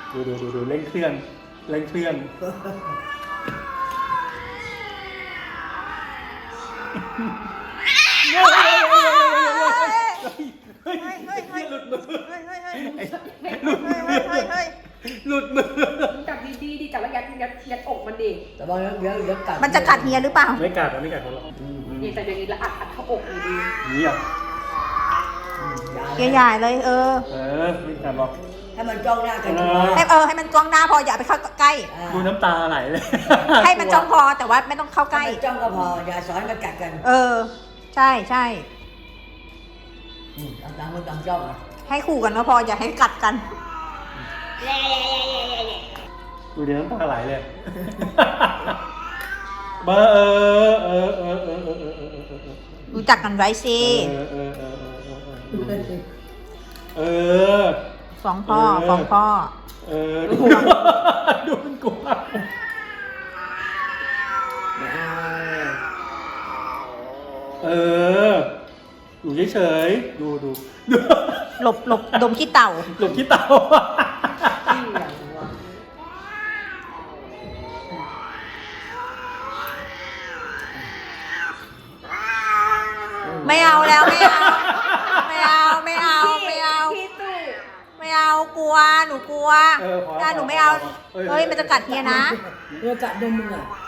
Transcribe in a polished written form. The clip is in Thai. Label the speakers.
Speaker 1: ดูเร่งเครื่องเร่งเครื่องหลุดมือหลุดมือ
Speaker 2: จับดีๆดิจับแล้วยัดอกมันดิ
Speaker 3: แต่ว่าเดี๋ยวกัด
Speaker 4: มันจะกัดเฮียหรือเปล่า
Speaker 1: ไม่กัดมันไม่กัดของเรา
Speaker 2: นี่แต่อย่างนี้แล้วอัดเข้าอกเลยดี
Speaker 1: นี่อ่ะ
Speaker 4: เฮียใหญ่เลย
Speaker 1: ไม่กัดหรอก
Speaker 3: ให้มันจ้องหน้ากัน
Speaker 4: ให้มันจ้องหน้าพออย่าไปเข้าใกล้
Speaker 1: ดูน้ำตาไหลเลย
Speaker 4: ให้มันจ้องพอแต่ว่าไม่ต้องเข้าใกล้
Speaker 3: จ้องก็พออย่าสอนมันกัดกัน
Speaker 4: ใช่ใช่
Speaker 3: ต่างคนต่างจ้องอ่ะ
Speaker 4: ให้ขู่กันก็พออย่าให้กัดกัน
Speaker 1: ดูเดี๋ยวน้ำตาไหลเลย
Speaker 4: รู้จักกันไว้สิฟ้องพ่อฟ้องพ่อ
Speaker 1: ดูมันกลัวอยู่เฉยๆดู
Speaker 4: หลบดมขี้เต่า
Speaker 1: หลบขี้เต่า
Speaker 4: ไม่เอาแล้วไม่เอากลัวหนูกลัวถ้าหนูไม่เอาเฮ้ยมันจะกัดเฮียนะ
Speaker 3: กัดดมมึงอ่ะ